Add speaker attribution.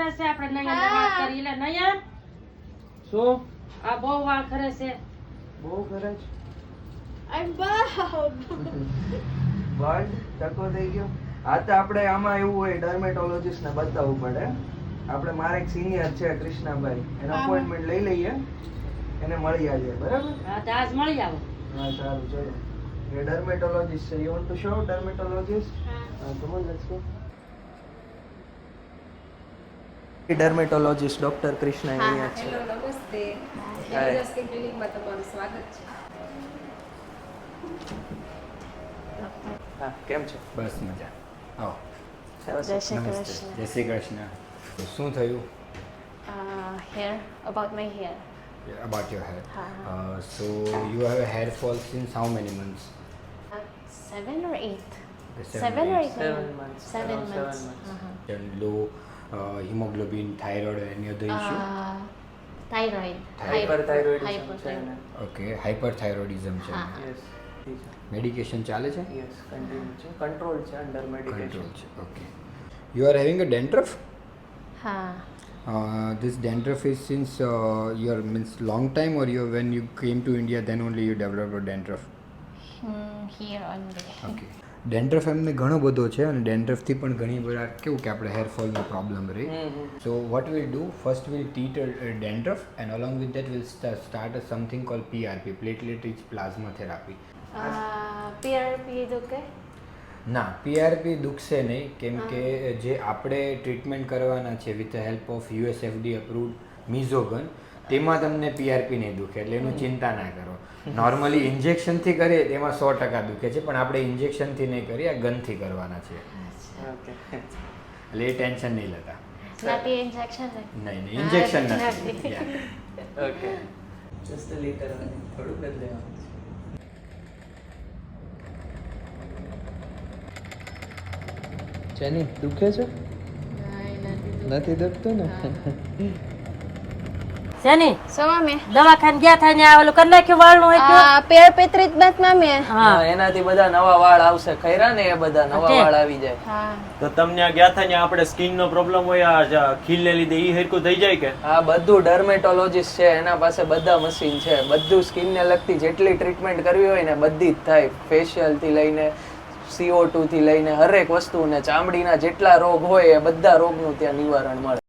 Speaker 1: ખરે છે આપણે નયન વાત કરી લે નયન
Speaker 2: શું
Speaker 1: આ બહુ વાળ ખરે છે
Speaker 2: બહુ કરે છે
Speaker 3: I'm bald.
Speaker 2: બર્ડ ટકો થઈ ગયો આ તો આપણે આમાં એવું હોય ડર્મેટોલોજીસ્ટ ને બતાવવું પડે આપણે મારા એક સિનિયર છે કૃષ્ણાભાઈ એનો અપોઇન્ટમેન્ટ લઈ લઈએ એને મળી આવીએ બરાબર
Speaker 1: હા તો આજ મળી આવો
Speaker 2: હા સારું ચલો એ ડર્મેટોલોજીસ્ટ છે you want to show dermatologist હા come on let's go dermatologist doctor Krishna અહીંયા છે
Speaker 4: હેલો નમસ્તે
Speaker 2: Hi.
Speaker 4: સ્કિન ક્લિનિકમાં તમારું સ્વાગત છે
Speaker 2: હા કેમ છો
Speaker 5: બસ મજા આવો
Speaker 3: Jai Shri
Speaker 5: નમસ્તે
Speaker 3: Krishna.
Speaker 5: જય શ્રી કૃષ્ણ શું થયું
Speaker 3: Hair, about my hair.
Speaker 5: About your hair
Speaker 3: હા.
Speaker 5: So you have a hair fall since how many months
Speaker 3: 7 or 8?
Speaker 5: The
Speaker 3: 7 or 8
Speaker 2: 7 months,
Speaker 3: 7
Speaker 2: around 7
Speaker 3: months.
Speaker 2: months.
Speaker 5: and low hemoglobin thyroid or any other issue
Speaker 3: Thyroid.
Speaker 2: Hyperthyroidism છે ને
Speaker 5: okay hyperthyroidism છે
Speaker 3: હા.
Speaker 2: Yes
Speaker 5: medication ચાલે છે
Speaker 2: yes continue છે control છે under medication
Speaker 5: control છે okay you are having a dandruff this dandruff is since your means long time or you when you came to India then only you developed a dandruff
Speaker 3: Here only.
Speaker 5: Okay dandruff એમને ઘણો બધો છે અને ડેન્ડ્રફથી પણ ઘણી બધા કેવું કે આપણે હેરફોલનો પ્રોબ્લેમ રહે so what will do first will treat dandruff and along with that will start something call PRP platelet rich plasma therapy
Speaker 3: PRP દુખે?
Speaker 5: ના પીઆરપી દુખશે નહીં કેમ કે જે આપણે ટ્રીટમેન્ટ કરવાના છે with help of USFDA approved મિઝોગન તેમાં તમને પીઆરપી નહીં દુખે એટલે એનું ચિંતા ના કરો નોર્મલી ઇન્જેક્શનથી કરીએ તેમાં 100% દુખે છે પણ આપણે ઇન્જેક્શનથી નહીં કરીએ આ ગનથી કરવાના છે
Speaker 2: ઓકે
Speaker 5: એટલે એ ટેન્શન નહીં લેતા
Speaker 3: Not injection?
Speaker 5: નહીં ઇન્જેક્શન નથી
Speaker 3: નથી.
Speaker 5: Yeah.
Speaker 2: ઓકે જસ્ટ લીટર થોડું બદલાવાનું જેની દુખે છે નથી દુખતું ને
Speaker 1: શેની
Speaker 3: So, mami.
Speaker 1: દવાખાને ગયા થાય ને આ ઓલું કરી નાખ્યું વાળનું હોય તો
Speaker 3: PRP treatment, mami.
Speaker 1: હા
Speaker 2: એનાથી બધા નવા વાળ આવશે ખૈરા ને એ બધા નવા
Speaker 1: Okay.
Speaker 2: વાળ આવી જાય
Speaker 6: તો તમને આ ગયા થાય ને આપણે સ્કિન નો પ્રોબ્લેમ હોય આ ખીલને લીધે ઈ હરકું થઈ જાય કે
Speaker 2: આ બધું ડર્મેટોલોજીસ્ટ છે એના પાસે બધા મશીન છે બધું સ્કિન ને લગતી જેટલી ટ્રીટમેન્ટ કરવી હોય ને બધી જ થાય ફેશિયલ થી લઈને CO2 થી લઈને હરેક વસ્તુ ને ચામડીના જેટલા રોગ હોય એ બધા રોગનું ત્યાં નિવારણ મળે